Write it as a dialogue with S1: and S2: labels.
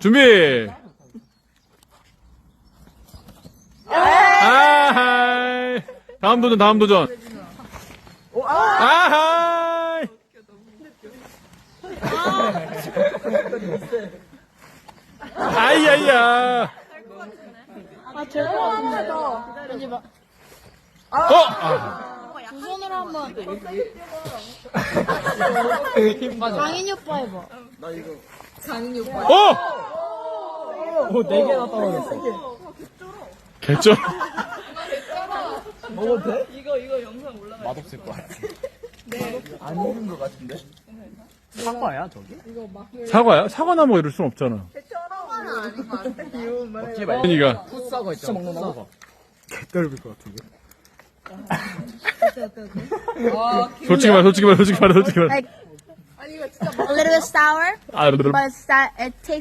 S1: 준비. 아하이. 다음 도전. 아하이. 아이야이야.
S2: 아, 제대로 하나 더. 왠지 막, 두 손으로 한번. 강인이 오빠 해봐.
S1: 오,
S3: 4개나 떨어졌어.
S1: 개쩔.
S3: 먹어도 돼?
S4: 이거 영상 올라가.
S3: 맛없을 것 같아. 안 익은 것 같은데? 사과야, 저기?
S1: 사과야? 사과나 뭐 이럴 순 없잖아.
S3: 먹지 말고.
S1: 그러니까.
S3: 풋사과 있잖아, 풋사과.
S1: 개떨릴 것 같은데. 솔직히 말해.
S2: Like, a little bit sour,
S1: 아,
S2: but it tastes